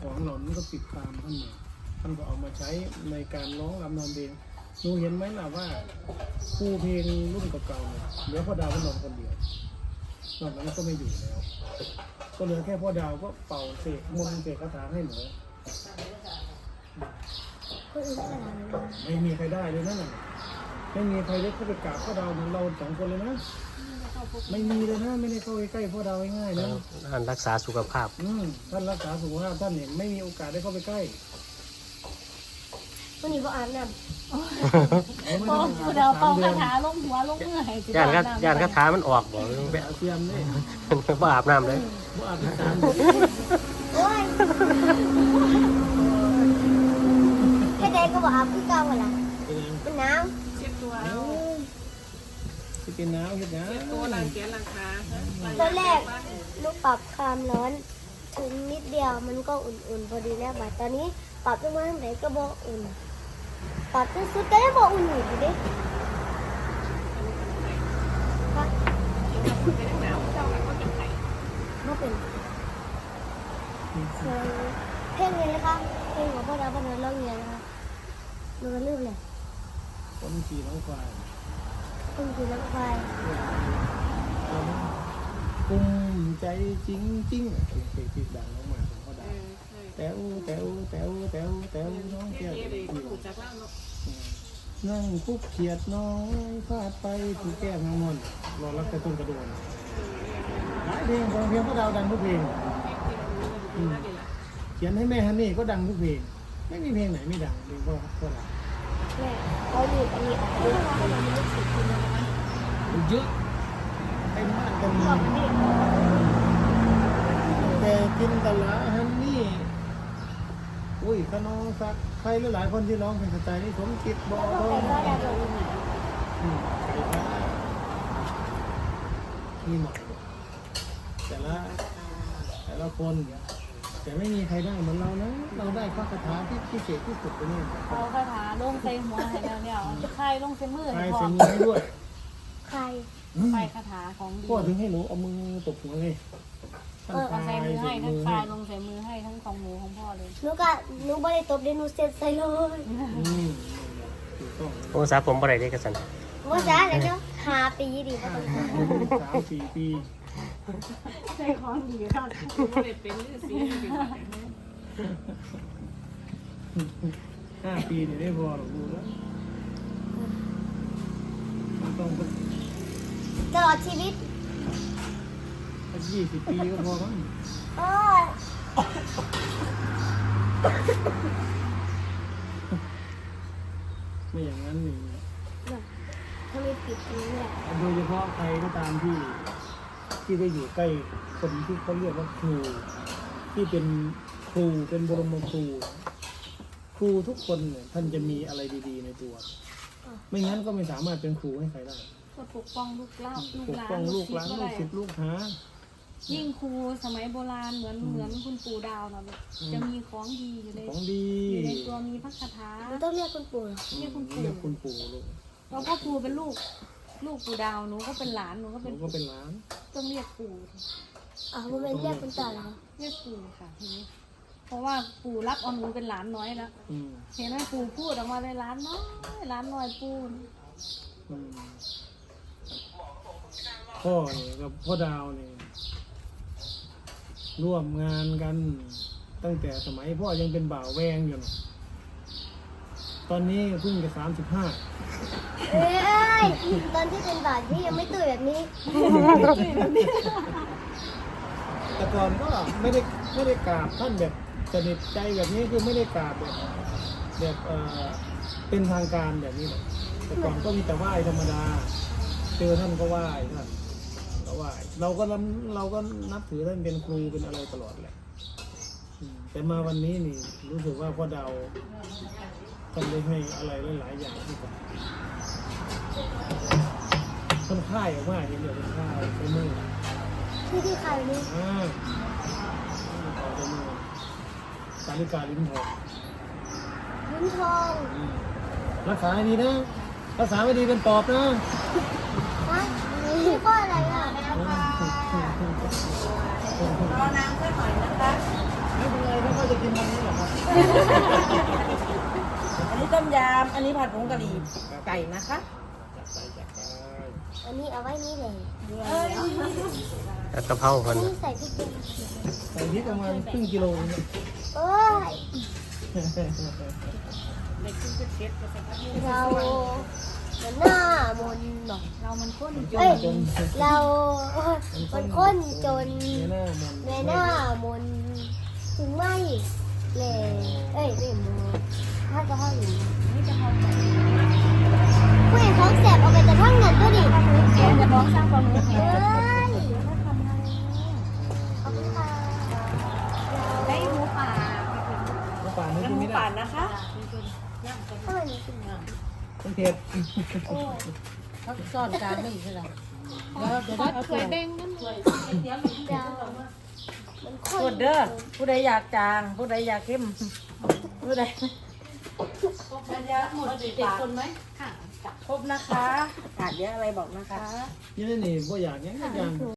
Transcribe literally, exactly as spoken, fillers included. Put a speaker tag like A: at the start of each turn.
A: ของหล่นก็ติดตามท่านมาท่านก็เอามาใช้ในการร้องรำนำเพลงหนูเห็นไหมล่ะว่าผู้เพลงรุ่นเก่าๆเนี่ยเหลือพ่อดาวก็นอนคนเดียวนอกนั้นก็ไม่อยู่แล้วก็เหลือแค่พ่อดาวก็เป่าเสกมนต์เสกคาถาให้หนูไม่มีใครได้เลยนั่นน่ะไม่มีใครได้เข้าไปกราบพ่อดาวเหมือนเราสองคนเลยนะไม่มีเลยนะไม่ได้เข้าไปใกล้พ่อดาวง่ายๆนะ
B: ท่านรักษาสุขภาพ
A: อืมท่านรักษาสุขภาพท่านเนี่ยไม่มีโอกาสได้เข้าไปใกล้
C: วันนี้ก็อาบน้
D: ำพอผู้ดาวเป่าคาถาลงหัวลงเมื่อไหร่
B: ย่านก็ย่านคาถามันออกบ่
A: แบบเตรียมเลย
B: บ่อาบน้ำเลย
A: บ่อาบน้ำ
C: โอ้ยแค่ใดก็บอกอาบพี่เก่าเหรอเป็นน้
D: ำเช็ดตัว
A: จะเป็นน้ำเห็ดน้ำ
D: ตัวหลังแขนหลังขา
C: ำตอนแรกลูกปรับความร้อนถึงนิดเดียวมันก็อุ่นๆพอดีแล้วบัดตอนนี้ปรับลงมาทางไหนก็บ่อุ่นปรับสุดๆก็ยังบ่อุ่นอยู่ดิ
D: เป็นหนาวเจ้าแล้วก็จะไข่
C: บ่เป็นเพลงนี้นะคะเพลงของพ่อดาวพ่อดาวเล่าเรียนนะคะมันก็ลืมเลย
A: คนขี่น้องควาย
C: คนขี่น้องควาย
A: กุมใจจริงจริงเพลงที่ดังออกมาของพ่อดาวแต๋วแต๋วแต๋วแต๋วแต๋วน้องแก้วนั่งคุกเขียดน้อยฟาดไปถูกแก้มทั้งหมดรอรักแต่ต้นกระโดนหลายเพลงของเพลงพ่อดาวดังทุกเพลงเขียนให้แม่ฮันนี่ก็ดังทุกเพลงไม่มีเพลงไหนไม่ดังเพลงพ่อพ่อดาว
C: แม่เขาหยุดอันนี้ออกด้วยเขาไม่ได้สิทธิ์เลยนะ
A: เยอะเต็มบ้านเต็มเมืองแต่กินตลาฮันนี่อุ้ยขนองสักใครหลายคนที่ร้องเพลงสไตล์นี้ผมคิดบอกเขานี่หมดแต่ละแต่ละคนแต่ไม่มีใครได้เหมือนเรานะเราได้ข้อคาถาที่พิเศษที่สุดไปนี่
D: เอาคาถาลงใส่หัวให้แล้วเนี่ยใครลงใส่มือ
A: ใครใส่มือให้ด้วย
C: ใคร
D: ใครคาถาของดี
A: พ่อถึงให้หนูเอามือตบหัวเลย
D: เออใส่มือให้ทั้งคลายลงใส่มือให้ทั้งของหมูของพ่อเลย
C: หนูก็หนูไม่ได้ตบเดี๋ยวหนูเซ็ตใส่เลย
B: โอ้สาผมบ่ได้เด้กระสัน
C: ว่าจ้าเดี๋ยวเนาะห้าปีดีก็ต้อง
A: สามสี่ปี
D: ใส่ของดีค่ะไม่ได้เป็นฤาษี
A: ห้าปีนี่ได้พอหรอกดูแล้วมันต้อง
C: ตลอดชีวิต
A: สักยี่สิบปีก็พอมั้ง
C: โอ้ย
A: ไม่อย่างนั้นนี่
C: ถ้าไม่ปิดนี้แหละ
A: โดยเฉพาะใครก็ตามที่ที่ได้อยู่ใกล้คนที่เขาเรียกว่าครูที่เป็นครูเป็นบรมครูครูทุกคนเนี่ยท่านจะมีอะไรดีๆในตัวไม่งั้นก็ไม่สามารถเป็นครูให้ใครได้
D: ก็ปกป้องลูกเล่าลูกหลาน
A: ปกป้องลูกหลานลูกศิษย์ลูกหา
D: ยิ่งครูสมัยโบราณเหมือนเหมือนคุณปู่ดาวนะจะมีของดีอยู่ใน
A: ของดี
D: อยู่ในตัวมีพระคาถา
C: ต้องเรียกคุณปู่
D: เรียกคุณปู่
A: เรียกคุณปู่ลูก
D: เราก็ครูเป็นลูกลูกปู่ดาวหนูก็เป็นหลานหนูก็เป็น
A: ก็เป็นหลาน
D: ต้องเรียกปู่
C: อ๋อมันเป็นเรียกคุณตาเหรอ
D: เรียกปู่ค่ะทีนี้เพราะว่าปู่รับเอาหนูเป็นหลานน้อยแล้วเห็นไหมปู่พูดออกมาเลยหลานน้อยหลานน้อยปู่
A: พ่อเนี่ยกับพ่อดาวเนี่ยร่วมงานกันตั้งแต่สมัยพ่อยังเป็นบ่าวแวงอยู่ตอนนี้เพิ่งจะสามสิบห้า
C: เอ้ยตอนที่เป็นบ่าวที่ยังไม่ตื่นแบบนี้
A: แต่ก่อนก็ไม่ได้ไม่ได้กราบท่านแบบสนิทใจแบบนี้คือไม่ได้กราบแบบแบบเออเป็นทางการแบบนี้เลยแต่ก่อนก็มีแต่ไหว้ธรรมดาเจอท่านก็ไหว้ท่านก็ไหว้เราก็เราก็นับถือท่านเป็นครูเป็นอะไรตลอดแหละแต่มาวันนี้นี่รู้สึกว่าพ่อดาวท่านได้ให้อะไรหลายๆอย่างที่ผมท่านค่ายออกมาเห็นเดี๋ยวท่านค่ายไปมือ
C: ที่ที่ใครนี่
A: อ่าต่อไปมือสาริกาลิ้นทอง
C: ลิ้นทอง
A: รักษาให้ดีนะรักษาไม่ดีเป็นปอบนะ
C: ฮะนี่ก็อะไรอ่ะ
D: รอน้ำสักหน่อยนะคะ
A: ไม่เป็นไรถ้าเขาจะกินมัน
E: อันนี้ต้มยำอันนี้ผัดผงกะหรี่ไก่นะคะ
A: จัดไปจัดไป
C: อันนี้เอาไว้นี่เลย
B: แล้วกะเพราคน
C: นี่ใส่พริกแกง
A: ใส่พริกประมาณครึ่งกิโลเนี่ย
C: เอ้ยเราเหมือนหน้ามนต์บอก
D: เรามันข้นจ
C: เอ้ย
A: จน
C: เรามันค้นจน
A: เนื้อหน้ามัน
C: ในหน้ามนต์ถึงไม่เลยเอ้ยไม่โมถ้าจะห้องอยู่
D: นี่จะพอใจ
C: ผู้เห็นท้องแสบเอาไปแต่ทั้งเงินก็ดิ
D: เจ๊จะร้องสร้างความรู้
C: เอ้ย
D: ถ้าทำไง
C: ขอบคุณค่ะ
D: ได้หมูป่า
A: น้ำปลาไม่
E: น้ำ
A: กิน
E: หมู
A: ไม่ได้
E: ป่านนะคะ
C: ทำไมมีสิ่งนี้
A: ต้องเผ็ด
E: เขาซ่อนกลางไม่อีกเลยแล้วเดี๋ยว
D: ขอ
E: เอา
D: ถ
E: ตัว
D: วยแดงนั่นเลย
C: เดามันข้น
E: กดเด้อผู้ใดอยากจาง ผู้ใดอยากเข้มผู้ใด
D: หมดเจ็ดคนไหมค่ะ
E: ครบนะคะขาดเยอะอะไรบอกนะคะ
A: ยี่นี่บ่อยากยังยัง